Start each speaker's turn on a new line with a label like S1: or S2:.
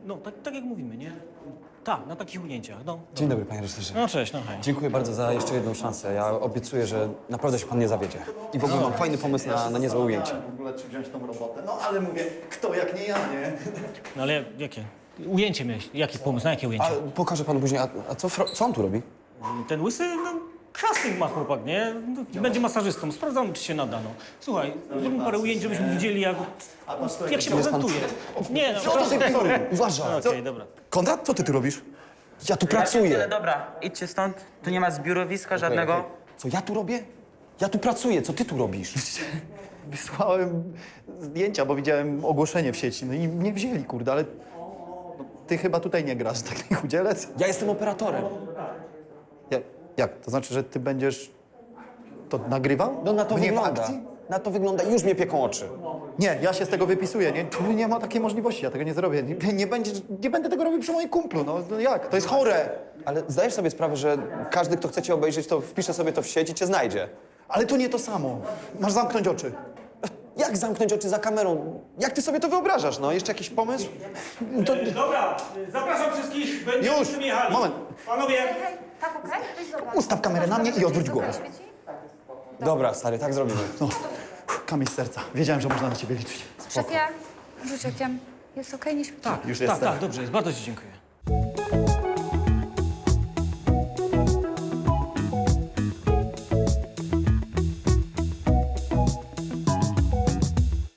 S1: No, tak jak mówimy, nie? Tak, na takich ujęciach, no.
S2: Dzień dobry, panie reżyserze.
S1: No cześć, no hej.
S2: Dziękuję bardzo za jeszcze jedną szansę. Ja obiecuję, że naprawdę się pan nie zawiedzie. I w ogóle mam fajny pomysł na niezłe ujęcie.
S3: W ogóle czy wziąć tą robotę? No ale mówię, kto jak nie ja, nie?
S1: No ale jakie? Ujęcie miałeś. Jaki pomysł? Na jakie
S2: A
S1: ujęcie?
S2: pokażę panu później. A co on tu robi?
S1: Ten łysy, no, casting ma chłopak, nie? No, będzie masażystą. Sprawdzamy, czy się nada, no. Słuchaj, zróbmy parę ujęć, żebyśmy widzieli, jak się prezentuje. Nie, no,
S2: Uważaj!
S1: okej, dobra.
S2: Konrad, co ty tu robisz? Ja tu
S4: Ale
S2: pracuję.
S4: dobra, idźcie stąd. Tu nie ma zbiorowiska żadnego.
S2: Co ja tu robię? Ja tu pracuję, co ty tu robisz?
S3: Wysłałem zdjęcia, bo widziałem ogłoszenie w sieci, no i mnie wzięli, kurde, ale no, ty chyba tutaj nie grasz, taki chudzielec?
S2: Ja jestem operatorem.
S3: Jak? To znaczy, że ty będziesz to nagrywał?
S2: No na to
S3: Mnie w
S2: wygląda.
S3: akcji?
S2: Na to wygląda. Już mnie pieką oczy.
S3: Nie, ja się z tego wypisuję, nie? Tu nie ma takiej możliwości, ja tego nie zrobię. Nie będę tego robił przy moim kumplu, no jak? To jest chore.
S2: Ale zdajesz sobie sprawę, że każdy, kto chce cię obejrzeć, to wpisze sobie to w sieć i cię znajdzie.
S3: Ale to nie to samo. Masz zamknąć oczy.
S2: Jak zamknąć oczy za kamerą? Jak ty sobie to wyobrażasz, no? Jeszcze jakiś pomysł?
S1: Dobra, zapraszam wszystkich, będziemy
S3: Już,
S1: z tym jechali.
S3: moment.
S1: Panowie,
S5: Hej, tak okej? Weź zobacz.
S3: Ustaw kamerę na mnie i odwróć głowę.
S5: Świeci?
S2: Dobra, stary, tak zrobimy.
S3: No, kamień z serca. Wiedziałem, że można na ciebie liczyć.
S5: Szefie, rzuć okiem. Jest okej, nie świeci?
S1: tak,
S3: Już
S1: tak,
S3: jestem.
S1: tak, dobrze jest, bardzo ci dziękuję.